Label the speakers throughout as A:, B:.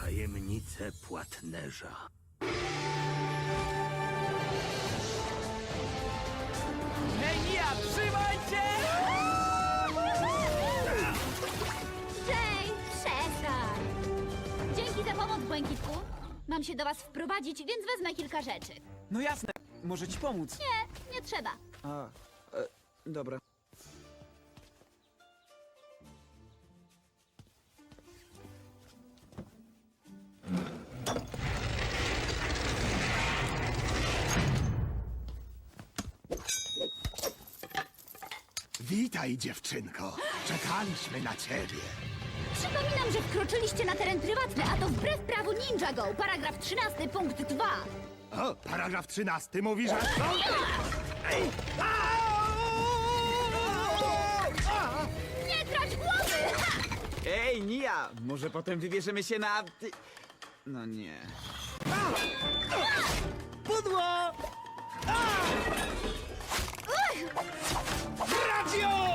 A: Tajemnice płatnerza.
B: Hej, Nia, trzymaj się!
C: Hej, przestań! Dzięki za pomoc, Błękitku. Mam się do was wprowadzić, więc wezmę kilka rzeczy.
B: No jasne, może ci pomóc.
C: Nie trzeba.
B: Dobra.
A: Witaj, dziewczynko. Czekaliśmy na ciebie.
C: Przypominam, że wkroczyliście na teren prywatny, a to wbrew prawu Ninja Go, paragraf 13, punkt 2.
A: O, paragraf 13 mówi, że... Ej!
C: Nie trać głowy! Ha!
B: Ej, Nia, może potem wybierzemy się na... No nie. Pudło! Radio!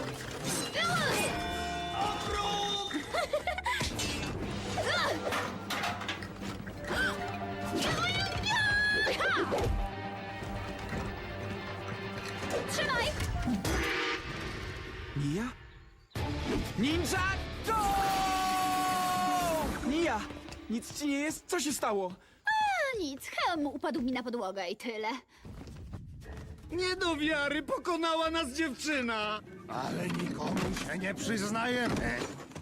C: Trzymaj!
B: Nia? Ninja Go! Nia! Nic ci nie jest? Co się stało?
C: A nic, hełm upadł mi na podłogę i tyle.
D: Nie do wiary, pokonała nas dziewczyna!
A: Ale nikomu się nie przyznajemy.